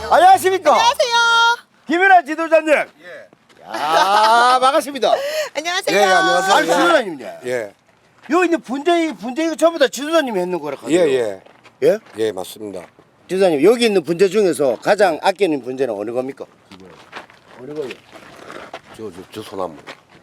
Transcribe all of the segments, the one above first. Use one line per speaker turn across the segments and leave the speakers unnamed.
안녕하십니까?
안녕하세요.
김연아 지도자님.
예.
아, 반갑습니다.
안녕하세요.
예, 안녕하세요.
아니, 지도자님이네.
예.
여기 있는 분재 전부 다 지도자님이 했는 거라
예,
하죠.
예.
예?
예, 맞습니다.
지도자님, 여기 있는 분재 중에서 가장 아끼는 분재는 어느 겁니까? 어느 거요?
저 소나무.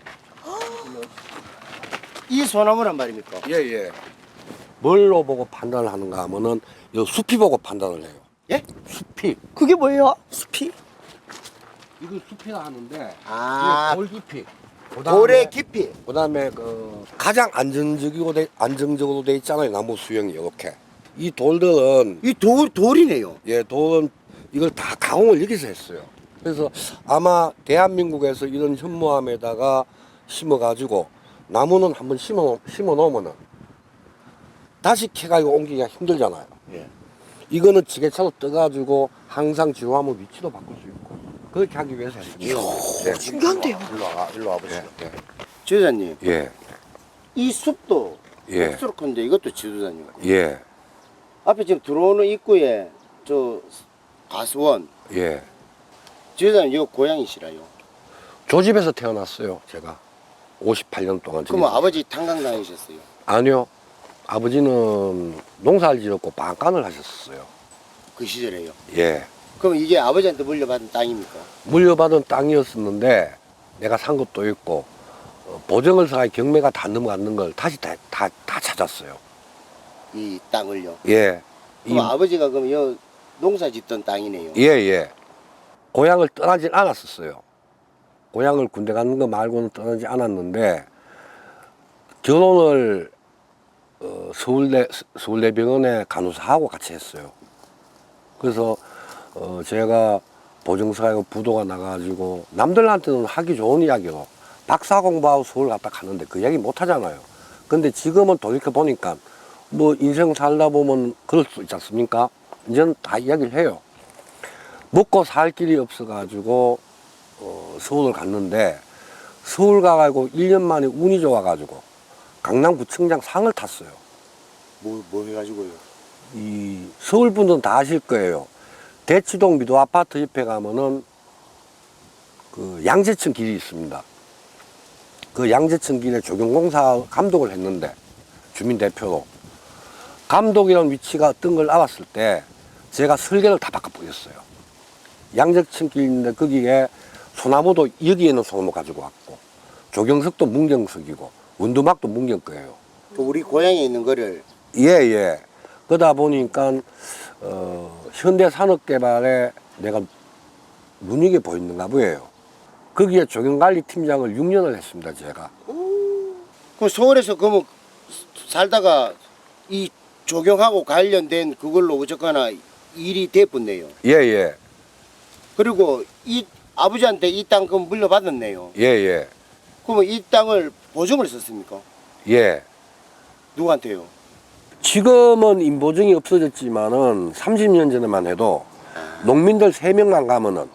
이 소나무란 말입니까?
예, 예. 뭘로 보고 판단을 하는가 하면은 이 숲이 보고 판단을 해요.
예?
숲이.
그게 뭐예요?
숲이?
이거 숲이라 하는데
아,
이게 돌 깊이.
돌의 깊이.
그다음에 그 가장 안정적으로 돼 있잖아요. 나무 수영이 이렇게. 이 돌들은
이 돌이네요.
예, 돌은 이걸 다 가공을 여기서 했어요. 그래서 아마 대한민국에서 이런 현무암에다가 심어가지고 나무는 한번 심어 놓으면은 다시 캐가지고 옮기기가 힘들잖아요.
예.
이거는 지게차로 떠가지고 항상 지호하면 위치도 바꿀 수 있고 그렇게 하기 위해서 했습니다. 네.
신기한데요.
일로 와보시죠.
예,
지도자님,
예,
이 숲도
예,
흡수로 큰데 이것도 지도자님.
예,
앞에 지금 들어오는 입구에 저 가수원.
예.
지도자님, 이거 고향이시라요?
저 집에서 태어났어요, 제가. 58년 동안.
그럼 아버지 탄광 다니셨어요?
아니요. 아버지는 농사를 지었고 방간을 하셨어요.
그 시절에요?
예.
그럼 이게 아버지한테 물려받은 땅입니까?
물려받은 땅이었었는데 내가 산 것도 있고 보증을 서가 경매가 다 넘어갔는 걸 다시 다 찾았어요.
이 땅을요?
예.
그럼 아버지가 그럼 여 농사 짓던 땅이네요?
예, 예. 고향을 떠나질 않았었어요. 고향을 군대 가는 거 말고는 떠나지 않았는데 결혼을 서울대병원에 간호사하고 같이 했어요. 그래서 제가 보증서하고 부도가 나가지고 남들한테는 하기 좋은 이야기로 박사 공부하고 서울 갔다 가는데 그 이야기 못 하잖아요. 근데 지금은 돌이켜 보니까 뭐 인생 살다 보면 그럴 수 있지 않습니까? 이제는 다 이야기를 해요. 먹고 살 길이 없어가지고 서울을 갔는데 서울 가가지고 1년 만에 운이 좋아가지고 강남구청장 상을 탔어요.
뭐 해가지고요?
이 서울 분들은 다 아실 거예요. 대치동 미도 아파트 옆에 가면은 그 양재천 길이 있습니다. 그 양재천 길에 조경공사 감독을 했는데 주민 대표로 감독이라는 위치가 어떤 걸 알았을 때 제가 설계를 다 바꿔버렸어요. 양재천 길인데 거기에 소나무도 여기에는 소나무 가지고 왔고 조경석도 문경석이고 원두막도 문경 거예요.
우리 고향에 있는 거를
예. 그러다 보니까 현대산업개발에 내가 눈이게 보이는가 보여요. 거기에 조경관리팀장을 6년을 했습니다, 제가.
그럼 서울에서 그러면 살다가 이 조경하고 관련된 그걸로 어쨌거나 일이 됐었네요.
예.
그리고 이 아버지한테 이 땅 그럼 물려받았네요.
예.
그러면 이 땅을 보증을 썼습니까?
예.
누구한테요?
지금은 인보증이 없어졌지만은 30년 전에만 해도 농민들 3명만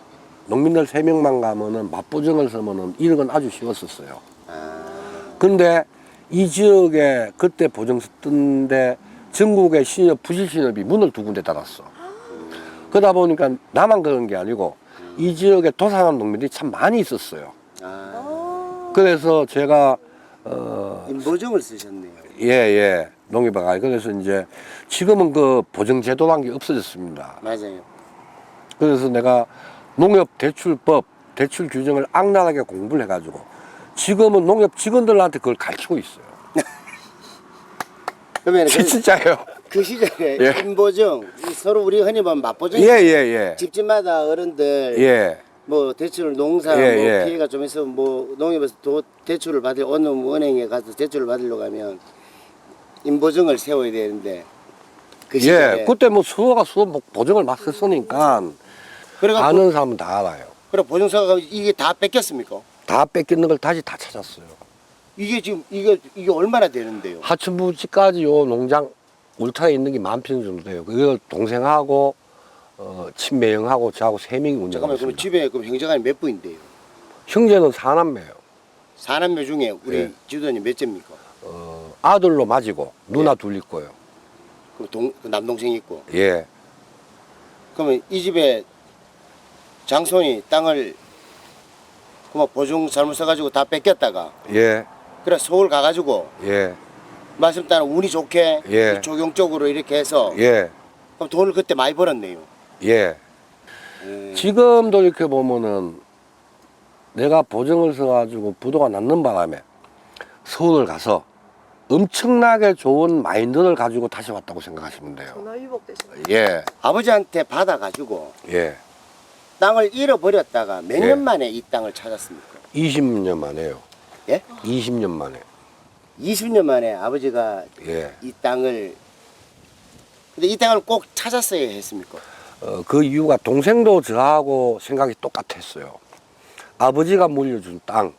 가면은 맞보증을 서면은 1억은 아주 쉬웠었어요. 근데 이 지역에 그때 보증 썼던데 전국의 신협, 부실신협이 문을 2군데 닫았어. 그러다 보니까 나만 그런 게 아니고 이 지역에 도산한 농민들이 참 많이 있었어요. 그래서 제가
인보증을 쓰셨네요.
예. 농협가 그래서 이제 지금은 그 보증제도란 게 없어졌습니다.
맞아요.
그래서 내가 농협 대출법, 대출 규정을 악랄하게 공부를 해가지고 지금은 농협 직원들한테 그걸 가르치고 있어요.
그러면
진짜예요.
그 시절에
예.
인보증 서로 우리 흔히 말하면 맞보증.
예.
집집마다 어른들
예.
뭐 대출 농사
예,
뭐
예.
피해가 좀 있으면 뭐 농협에서 대출을 받을 어느 은행에 가서 대출을 받으려고 하면 인보증을 세워야 되는데 그 시절에
그때 뭐 수호가 보증을 막 썼으니까
그래가
아는 사람은 다 알아요.
그래 보증서가 이게 다 뺏겼습니까?
다 뺏기는 걸 다시 다 찾았어요.
이게 지금 이게 얼마나 되는데요?
하천부지까지 요 농장 울타리에 있는 게 10,000평 정도 돼요. 그걸 동생하고 친매형하고 저하고 3명이 운영하고
잠깐만 그럼
있습니다.
집에 그럼 형제간이 몇 분인데요?
형제는 4남매예요.
4남매 중에 우리
예.
지도자님 몇째입니까?
아들로 맞이고 누나 둘 있고요.
그 남동생 있고
예.
그러면 이 집에 장손이 땅을 그뭐 보증 잘못 써가지고 다 뺏겼다가
예,
그래 서울 가가지고
예,
말씀 따라 운이 좋게
예.
이 조경 쪽으로 이렇게 해서
예,
그럼 돈을 그때 많이 벌었네요.
예. 지금도 이렇게 보면은 내가 보증을 써가지고 부도가 났는 바람에 서울을 가서 엄청나게 좋은 마인드를 가지고 다시 왔다고 생각하시면 돼요.
전화위복되시네요.
예,
아버지한테 받아가지고
예.
땅을 잃어버렸다가 몇
예.
년 만에 이 땅을 찾았습니까?
20년 만에요.
예?
20년 만에.
20년 만에 아버지가
예.
이 땅을 근데 이 땅을 꼭 찾았어야 했습니까?
그 이유가 동생도 저하고 생각이 똑같았어요. 아버지가 물려준 땅.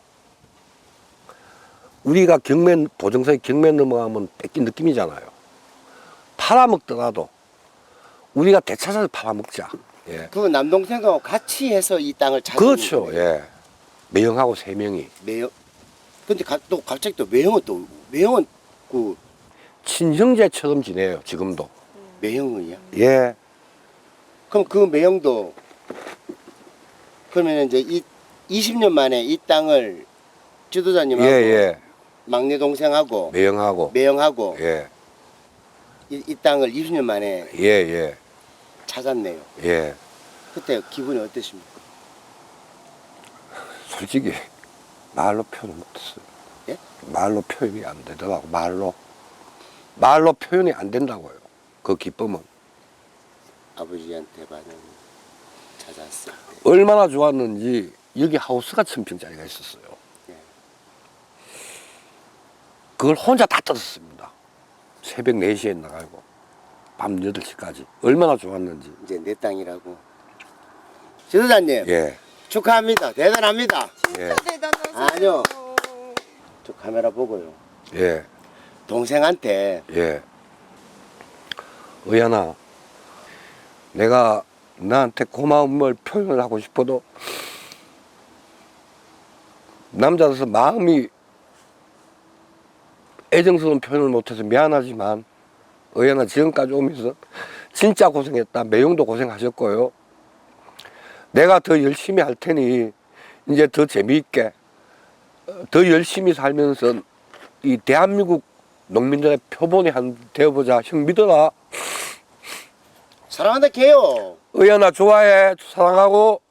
우리가 경매, 보증서에 경매 넘어가면 뺏긴 느낌이잖아요. 팔아먹더라도 우리가 되찾아서 팔아먹자. 예.
그 남동생하고 같이 해서 이 땅을 찾은
그렇죠.
거예요.
예. 매형하고 3명이.
매형. 근데 또 갑자기 또 매형은 그
친형제처럼 지내요, 지금도.
매형이야.
예.
그럼 그 매형도 그러면 이제 이 20년 만에 이 땅을
예,
지도자님하고
예.
막내 동생하고
매형하고.
매형하고
예.
이 땅을 20년 만에
예, 예.
찾았네요.
예.
그때 기분이 어떠십니까?
솔직히 말로 표현을 못했어요.
예?
말로 표현이 안 되더라고. 말로 표현이 안 된다고요. 그 기쁨은
아버지한테 받은 찾았을 때.
얼마나 좋았는지. 여기 하우스가 1000평짜리가 있었어요.
예.
그걸 혼자 다 뜯었습니다. 새벽 4시에 나가고 밤 8시까지 얼마나 좋았는지.
이제 내 땅이라고. 지도자님
예.
축하합니다. 대단합니다.
예.
대단하세요.
아니요. 저 카메라 보고요.
예.
동생한테
예. 의연아, 내가 나한테 고마움을 표현을 하고 싶어도 남자로서 마음이 애정스러운 표현을 못해서 미안하지만 의연아, 지금까지 오면서 진짜 고생했다. 매형도 고생하셨고요. 내가 더 열심히 할 테니 이제 더 재미있게 더 열심히 살면서 이 대한민국 농민들의 표본이 한 되어보자. 형 믿어라.
사랑한다 개요.
의연아, 좋아해. 사랑하고.